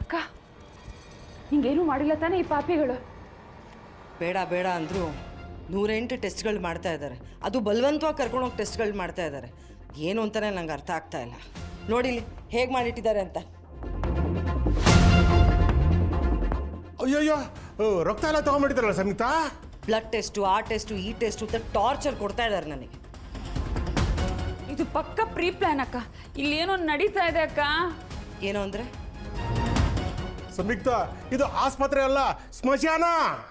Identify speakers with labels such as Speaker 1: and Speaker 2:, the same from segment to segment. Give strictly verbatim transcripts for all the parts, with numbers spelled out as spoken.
Speaker 1: ಅಕ್ಕ ಹಿಂಗೇನು ಮಾಡಿಲ್ಲ ತಾನೇ ಈ ಪಾಪಿಗಳು?
Speaker 2: ಬೇಡ ಬೇಡ ಅಂದರೂ ನೂರೆಂಟು ಟೆಸ್ಟ್ಗಳು ಮಾಡ್ತಾ ಇದ್ದಾರೆ. ಅದು ಬಲವಂತವಾಗಿ ಕರ್ಕೊಂಡೋಗಿ ಟೆಸ್ಟ್ಗಳು ಮಾಡ್ತಾ ಇದ್ದಾರೆ. ಏನು ಅಂತಲೇ ನಂಗೆ ಅರ್ಥ ಆಗ್ತಾ ಇಲ್ಲ. ನೋಡಿಲಿ ಹೇಗೆ ಮಾಡಿಟ್ಟಿದ್ದಾರೆ ಅಂತ.
Speaker 3: ಅಯ್ಯಯ್ಯೋ, ರಕ್ತ ಎಲ್ಲ ತೊಗೊಂಡ್ಬಿಟ್ಟಿದ್ದಾರಲ್ಲ ಸಂಯುಕ್ತ.
Speaker 2: ಬ್ಲಡ್ ಟೆಸ್ಟು, ಆ ಟೆಸ್ಟು, ಈ ಟೆಸ್ಟು ಅಂತ ಟಾರ್ಚರ್ ಕೊಡ್ತಾ ಇದ್ದಾರೆ ನನಗೆ.
Speaker 1: ಇದು ಪಕ್ಕ ಪ್ರೀ ಪ್ಲಾನ್ ಅಕ್ಕ. ಇಲ್ಲಿ ಏನೋ ನಡೀತಾ ಇದೆ ಅಕ್ಕ.
Speaker 2: ಏನೋ ಅಂದರೆ?
Speaker 3: ಸಂಯುಕ್ತ, ಇದು ಆಸ್ಪತ್ರೆ ಅಲ್ಲ, ಸ್ಮಶಾನ.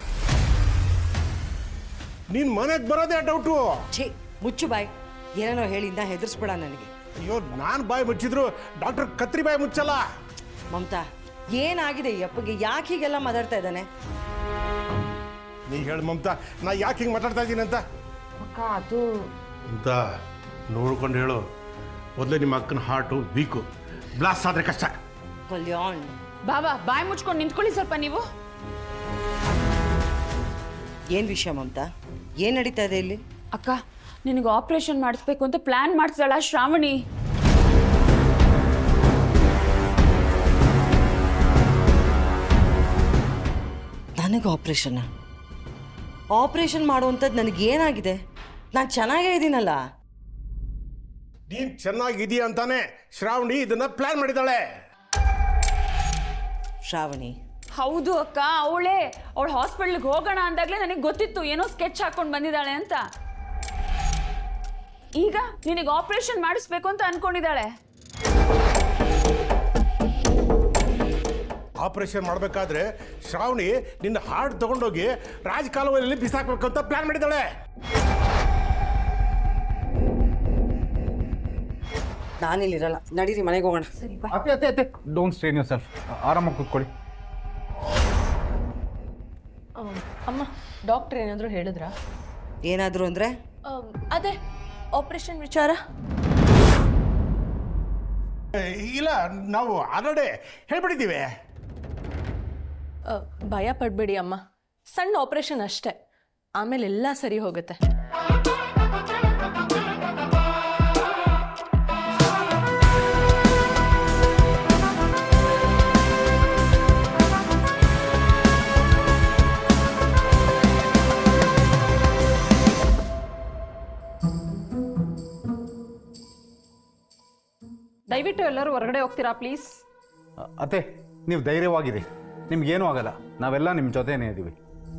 Speaker 3: ನೀನ್ ಮನೆಗೆ ಬರೋದೇ ಡೌಟು.
Speaker 2: ಛೇ, ಮುಚ್ಚು ಬಾಯ್. ಏನೇನೋ ಹೇಳಿಂದ ಹೆದರ್ಸ್ಬೇಡ ನನಗೆ.
Speaker 3: ಅಯ್ಯೋ, ನಾನು ಬಾಯಿ ಮುಚ್ಚಿದ್ರು ಡಾಕ್ಟರ್ ಕತ್ರಿ ಬಾಯಿ ಮುಚ್ಚಲ್ಲ.
Speaker 2: ಮಮತಾ, ಏನಾಗಿದೆ ಈ ಅಪ್ಪಗೆ? ಯಾಕೆ ಹೀಗೆಲ್ಲ ಮಾತಾಡ್ತಾ ಇದ್ದಾನೆ?
Speaker 3: ನೀ ಹೇಳು ಮಮತಾ, ನಾ ಯಾಕೆ ಹಿಂಗೆ ಮಾತಾಡ್ತಾ ಇದ್ದೀನಿ ಅಂತ.
Speaker 1: ಅಕ್ಕ ಅದು
Speaker 3: ಅಂತ ನೋಡ್ಕೊಂಡು ಹೇಳು. ಮೊದಲೇ ನಿಮ್ಮ ಅಕ್ಕನ ಹಾರ್ಟು ವೀಕು, ಬ್ಲಾಸ್ಟ್ ಆದರೆ ಕಷ್ಟ.
Speaker 2: ಕಲ್ಯಾಣ್,
Speaker 1: ಬಾಬಾ ಬಾಯಿ ಮುಚ್ಕೊಂಡು ನಿಂತ್ಕೊಳ್ಳಿ ಸ್ವಲ್ಪ ನೀವು.
Speaker 2: ಏನು ವಿಷಯ ಮಮತಾ? ಏನು ನಡೀತಾ ಇದೆ ಇಲ್ಲಿ?
Speaker 1: ಅಕ್ಕ, ನಿನಗೆ ಆಪರೇಷನ್ ಮಾಡಿಸ್ಬೇಕು ಅಂತ ಪ್ಲಾನ್ ಮಾಡ್ತಿದ್ದಾಳ ಶ್ರಾವಣಿ.
Speaker 2: ನನಗೆ ಆಪ್ರೇಷನ್ ಆಪ್ರೇಷನ್ ಮಾಡುವಂಥದ್ದು ನನಗೇನಾಗಿದೆ? ನಾನು ಚೆನ್ನಾಗೇ ಇದ್ದೀನಲ್ಲ.
Speaker 3: ನೀನು ಚೆನ್ನಾಗಿದೀಯ ಅಂತಾನೆ ಶ್ರಾವಣಿ ಇದನ್ನ ಪ್ಲಾನ್ ಮಾಡಿದ್ದಾಳೆ.
Speaker 2: ಶ್ರಾವಣಿ?
Speaker 1: ಹೌದು ಅಕ್ಕ, ಅವಳೇ. ಅವಳು ಹಾಸ್ಪಿಟ್ಲಿಗೆ ಹೋಗೋಣ ಅಂದಾಗಲೇ ನನಗೆ ಗೊತ್ತಿತ್ತು ಏನೋ ಸ್ಕೆಚ್ ಹಾಕೊಂಡು ಬಂದಿದ್ದಾಳೆ ಅಂತ. ಈಗ ನಿನಗೆ ಆಪರೇಷನ್ ಮಾಡಿಸ್ಬೇಕು ಅಂತ ಅನ್ಕೊಂಡಿದ್ದಾಳೆ.
Speaker 3: ಆಪರೇಷನ್ ಮಾಡಬೇಕಾದ್ರೆ ಶ್ರಾವಣಿ ನಿನ್ನ ಹಾರ್ಟ್ ತಗೊಂಡೋಗಿ ರಾಜಕಾಲುವೆಯಲ್ಲಿ ಬಿಸಾಕ್ಬೇಕು ಅಂತ ಪ್ಲಾನ್ ಮಾಡಿದ್ದಾಳೆ.
Speaker 2: ನಾನಿಲ್ಲಿರಲ್ಲ, ನಡೀರಿ ಮನೆಗೆ ಹೋಗೋಣ.
Speaker 4: ಅತ್ತೆ ಅತ್ತೆ ಅತ್ತೆ ಡೋಂಟ್ ಸ್ಟ್ರೇನ್ ಯೋರ್ ಸೆಲ್ಫ್. ಆರಾಮಾಗಿ ಕೂತ್ಕೊಳ್ಳಿ.
Speaker 5: ಅಮ್ಮ, ಡಾಕ್ಟರ್ ಏನಾದರೂ ಹೇಳಿದ್ರಾ?
Speaker 2: ಏನಾದರೂ ಅಂದರೆ?
Speaker 5: ಅದೇ ಆಪರೇಷನ್ ವಿಚಾರ.
Speaker 3: ಇಲ್ಲ, ನಾವು ಆಲ್ರೆಡಿ ಹೇಳ್ಬಿಟ್ಟಿದ್ದೀವಿ.
Speaker 5: ಭಯ ಪಡಬೇಡಿ ಅಮ್ಮ, ಸಣ್ಣ ಆಪರೇಷನ್ ಅಷ್ಟೇ, ಆಮೇಲೆ ಎಲ್ಲ ಸರಿ ಹೋಗುತ್ತೆ.
Speaker 1: ದಯವಿಟ್ಟು ಎಲ್ಲರೂ ಹೊರಗಡೆ ಹೋಗ್ತೀರಾ ಪ್ಲೀಸ್?
Speaker 4: ಅತ್ತೆ, ನೀವು ಧೈರ್ಯವಾಗಿರಿ, ನಿಮ್ಗೇನೂ ಆಗಲ್ಲ. ನಾವೆಲ್ಲ ನಿಮ್ಮ ಜೊತೆನೇ ಇದ್ದೀವಿ.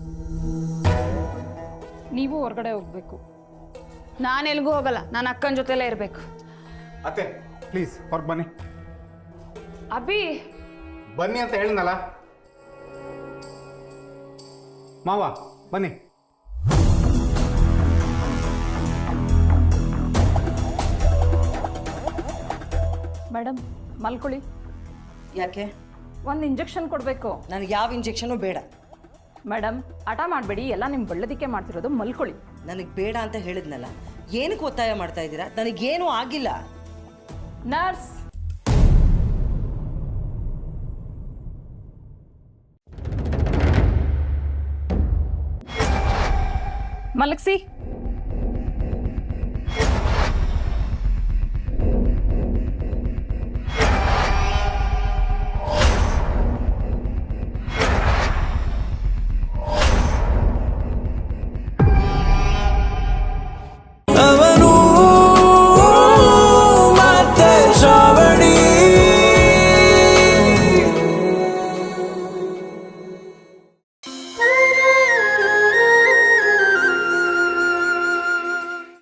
Speaker 1: ನೀವು ಹೊರಗಡೆ ಹೋಗ್ಬೇಕು. ನಾನು ಎಲ್ಗೂ ಹೋಗಲ್ಲ, ನಾನು ಅಕ್ಕನ ಜೊತೆಲೇ ಇರಬೇಕು.
Speaker 4: ಅತ್ತೆ ಪ್ಲೀಸ್ ಹೊರಗೆ ಬನ್ನಿ.
Speaker 1: ಅಭಿ
Speaker 4: ಬನ್ನಿ ಅಂತ ಹೇಳಿದ್ನಲ್ಲ. ಮಾವ ಬನ್ನಿ.
Speaker 1: ಮೇಡಮ್ ಮಲ್ಕೊಳ್ಳಿ.
Speaker 2: ಯಾಕೆ?
Speaker 1: ಒಂದು ಇಂಜೆಕ್ಷನ್ ಕೊಡಬೇಕು.
Speaker 2: ನನಗೆ ಯಾವ ಇಂಜೆಕ್ಷನು ಬೇಡ.
Speaker 1: ಮೇಡಮ್ ಹಠ ಮಾಡಬೇಡಿ, ಎಲ್ಲ ನಿಮ್ಮ ಒಳ್ಳೆದಕ್ಕೆ ಮಾಡ್ತಿರೋದು. ಮಲ್ಕೊಳ್ಳಿ.
Speaker 2: ನನಗೆ ಬೇಡ ಅಂತ ಹೇಳಿದ್ನಲ್ಲ, ಏನಕ್ಕೆ ಒತ್ತಾಯ ಮಾಡ್ತಾ ಇದ್ದೀರಾ? ನನಗೇನೂ ಆಗಿಲ್ಲ.
Speaker 1: ನರ್ಸ್, ಮಲಗಿಸಿ.